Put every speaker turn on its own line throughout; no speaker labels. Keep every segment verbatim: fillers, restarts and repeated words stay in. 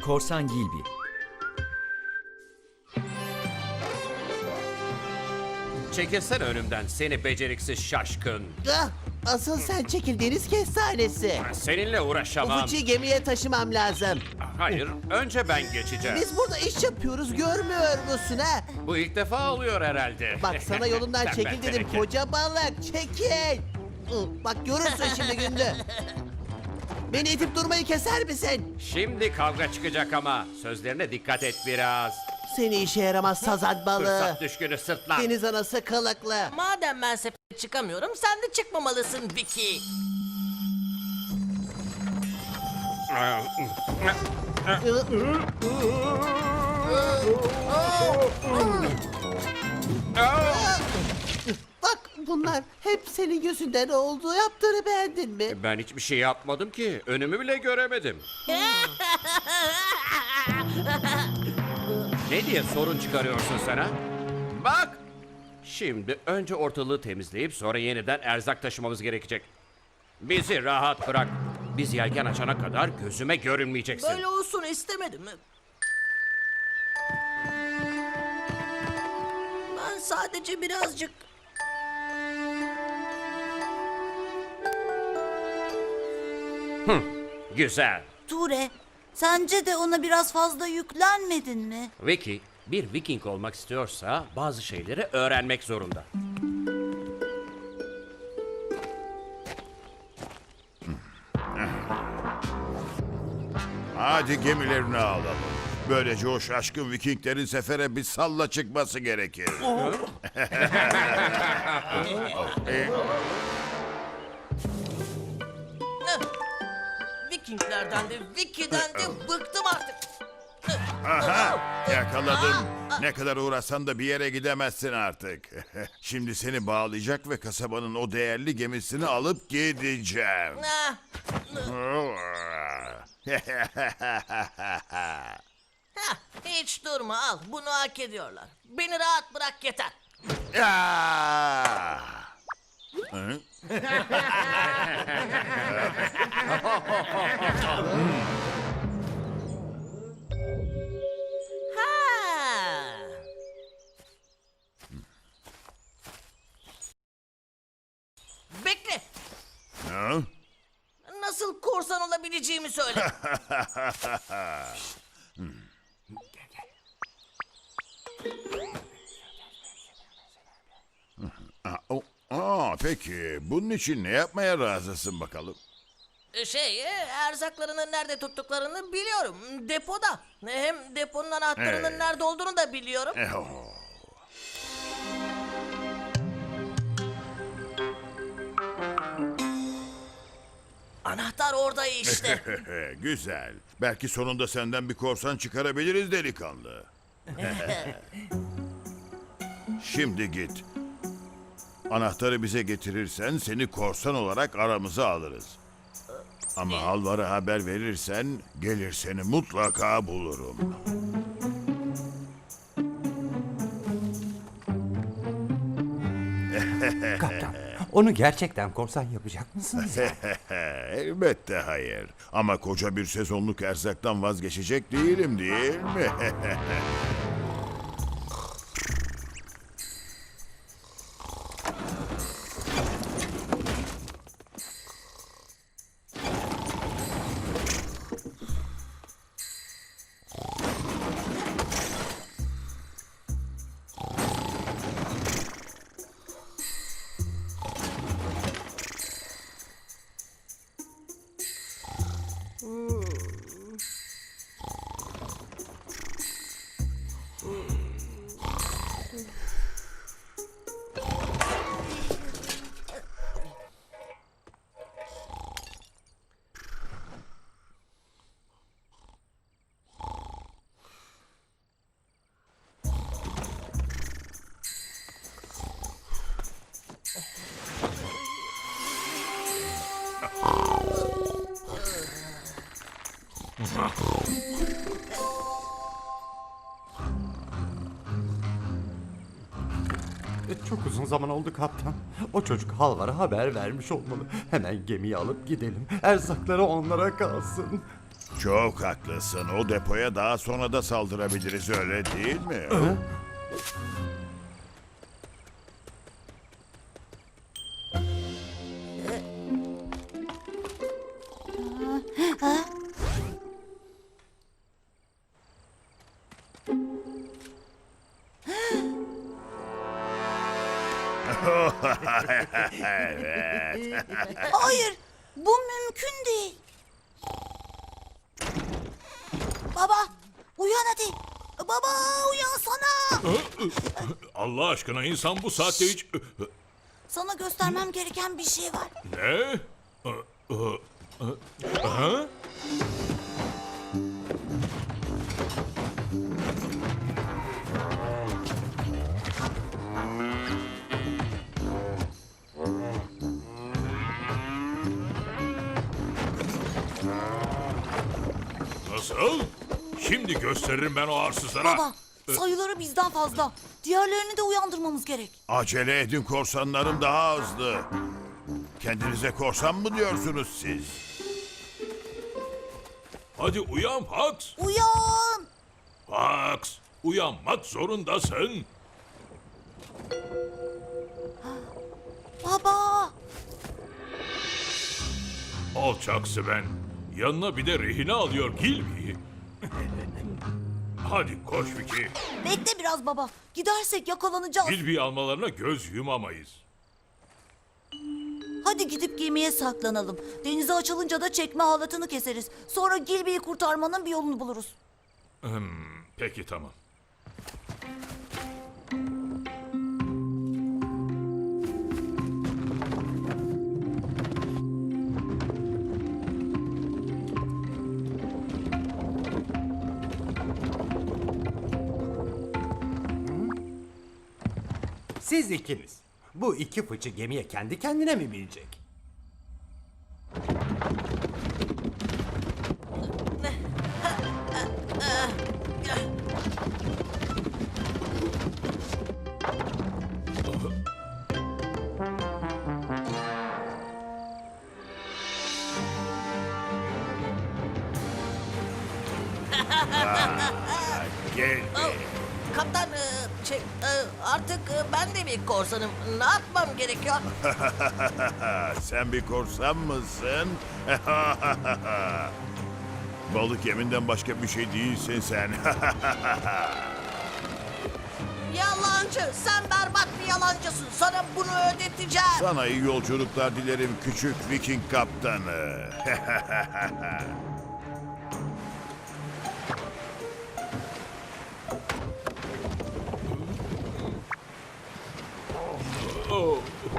Korsan Gilby.
Çekilsen önümden seni beceriksiz şaşkın.
Ah, asıl sen çekil deniz kestanesi.
Seninle
Bu
uğraşamam.
fıçıyı gemiye taşımam lazım.
Hayır, önce ben geçeceğim.
Biz burada iş yapıyoruz, görmüyor musun ha?
Bu ilk defa oluyor herhalde.
Bak sana yolundan
Tembel
çekil dedim
teneke.
koca balık, çekil. Ih, Bak görürsün şimdi gündü. Beni itip durmayı keser misin?
Şimdi kavga çıkacak ama sözlerine dikkat et biraz.
Seni işe yaramaz sazan balığı.
Fırsat düşkünü sırtlan.
Deniz anası kılıklı.
Madem ben sepete çıkamıyorum, sen de çıkmamalısın Vicky.
Bak bunlar hep senin yüzünden oldu. Yaptığını beğendin mi?
Ben hiçbir şey yapmadım ki. Önümü bile göremedim. Ne diye sorun çıkarıyorsun sen ha? Bak! Şimdi önce ortalığı temizleyip sonra yeniden erzak taşımamız gerekecek. Bizi rahat bırak. Biz yelken açana kadar gözüme görünmeyeceksin.
Böyle olsun istemedim. Ben sadece birazcık...
Güzel.
Ture, sence de ona biraz fazla yüklenmedin mi?
Vicky, bir Viking olmak istiyorsa bazı şeyleri öğrenmek zorunda.
Hadi gemilerini alalım. Böylece o şaşkın Vikinglerin sefere bir salla çıkması gerekir. E,
Vikinglerden de Vicky'den de bıktım artık.
Aha, yakaladım. Ne kadar uğraşsan da bir yere gidemezsin artık. Şimdi seni bağlayacak ve kasabanın o değerli gemisini alıp gideceğim.
Ah, hah, hiç durma al, bunu hak ediyorlar. Beni rahat bırak yeter.
Ya! Hı?
Ha. Bekle.
Hı?
Nasıl korsan olabileceğimi söyle.
Aa, o- Aa, peki bunun için ne yapmaya razısın bakalım?
Şey, e, erzaklarını nerede tuttuklarını biliyorum. Depoda. Hem deponun anahtarının
Ee.
nerede olduğunu da biliyorum.
Eh, oh.
Anahtar orada işte.
Güzel. Belki sonunda senden bir korsan çıkarabiliriz delikanlı. Şimdi git. Anahtarı bize getirirsen seni korsan olarak aramıza alırız. Ama Halvar'a haber verirsen gelir seni mutlaka bulurum.
Kaptan, onu gerçekten korsan yapacak mısınız?
Elbette hayır. Ama koca bir sezonluk erzaktan vazgeçecek değilim değil mi?
Çok uzun zaman oldu kaptan. O çocuk Halvar'a haber vermiş olmalı. Hemen gemiyi alıp gidelim. Erzakları onlara kalsın.
Çok haklısın. O depoya daha sonra da saldırabiliriz, öyle değil mi?
Hayır, bu mümkün değil. Baba, uyan hadi. Baba, uyansana.
Allah aşkına insan bu saatte hiç...
Sana göstermem gereken bir şey var.
Ne? Ha? Nasıl? Şimdi gösteririm ben o arsızlara.
Baba, sayıları bizden fazla. Diğerlerini de uyandırmamız gerek.
Acele edin, korsanlarım daha hızlı. Kendinize korsan mı diyorsunuz siz?
Hadi uyan Fox.
Uyan.
Fox, uyanmak zorundasın.
Baba.
Alçak Sven. Yanına bir de rehine alıyor Gilby'yi. Hadi koş Vicky.
Bekle biraz baba. Gidersek yakalanacağız.
Gilby'yi almalarına göz yumamayız.
Hadi gidip gemiye saklanalım. Denize açılınca da çekme halatını keseriz. Sonra Gilby'yi kurtarmanın bir yolunu buluruz.
Peki tamam.
Siz ikiniz. Bu iki fıçı gemiye kendi kendine mi binecek?
Gel.
Kaptan e, şey, e, artık e, ben de bir korsanım. Ne yapmam gerekiyor?
Sen bir korsan mısın? Balık yeminden başka bir şey değilsin sen.
Yalancı. Sen berbat bir yalancısın. Sana bunu ödeteceğim.
Sana iyi yolculuklar dilerim küçük Viking kaptanı.
Oh.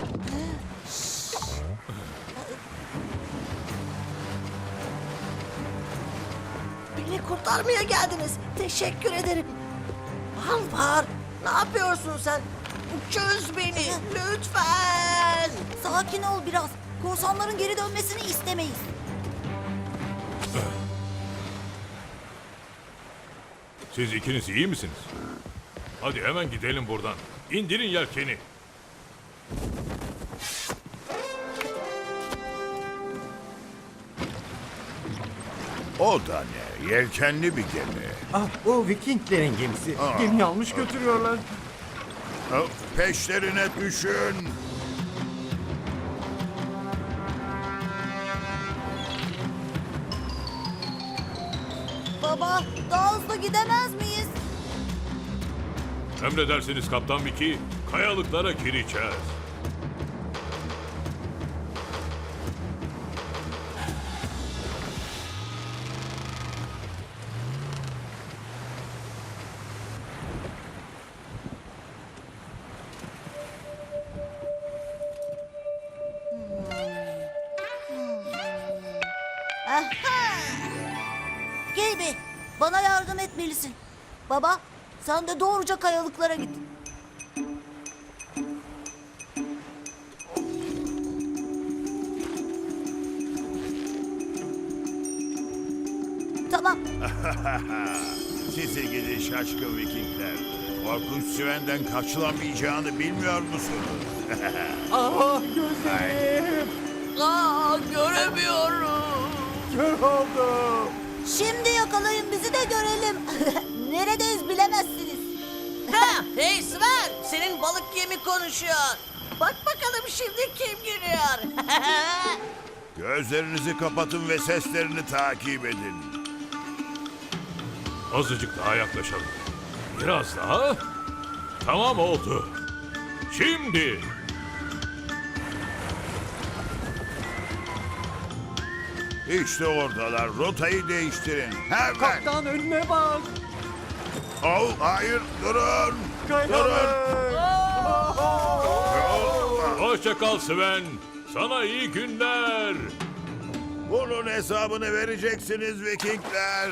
Beni kurtarmaya geldiniz. Teşekkür ederim. Alvar, ne yapıyorsun sen? Çöz beni lütfen.
Sakin ol biraz. Korsanların geri dönmesini istemeyiz.
Siz ikiniz iyi misiniz? Hadi hemen gidelim buradan. İndirin yelkeni.
O da ne? Yelkenli bir gemi.
Ah, o Vikinglerin gemisi.
Aa.
Gemiyi almış götürüyorlar.
Ha, Peşlerine düşün.
Baba, daha hızlı gidemez miyiz?
Emredersiniz Kaptan Vicky. Kayalıklara gireceğiz.
Aha! Gilby, bana yardım etmelisin. Baba, sen de doğruca kayalıklara git. Tamam.
Sizi gidi şaşkın Vikingler. Korkunç Sven'den kaçılamayacağını bilmiyor musunuz?
Ah, gözlerim.
Aa, göremiyorum.
Kör oldum.
Şimdi yakalayın bizi de görelim. Neredeyiz bilemezsiniz.
Ha, hey Sven, senin balık yemi konuşuyor. Bak bakalım şimdi kim gülüyor.
Gözlerinizi kapatın ve seslerini takip edin.
Azıcık daha yaklaşalım. Biraz daha. Tamam oldu. Şimdi.
İşte oradalar. Rotayı değiştirin. Hemen.
Kaptan önüne bak.
Oh, hayır, durun. Durun.
Hoşça kal Sven. Sana iyi günler.
Bunun hesabını vereceksiniz Vikingler.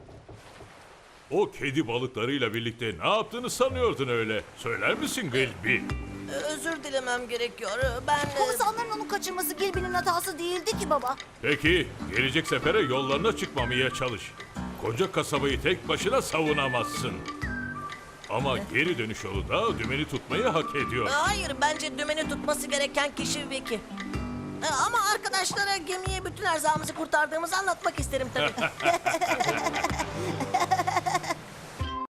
O kedi balıklarıyla birlikte ne yaptığını sanıyordun öyle. Söyler misin Gilby?
Özür dilemem gerekiyor. Ben... e,
Korsanların onu kaçırması Gilby'nin hatası değildi ki baba.
Peki, gelecek sefere yollarına çıkmamaya çalış. Koca kasabayı tek başına savunamazsın. Ama geri dönüş yolu da dümeni tutmayı hak ediyor.
Hayır, bence dümeni tutması gereken kişi Vicky. E, Ama arkadaşlara gemiye bütün erzağımızı kurtardığımızı anlatmak isterim tabii.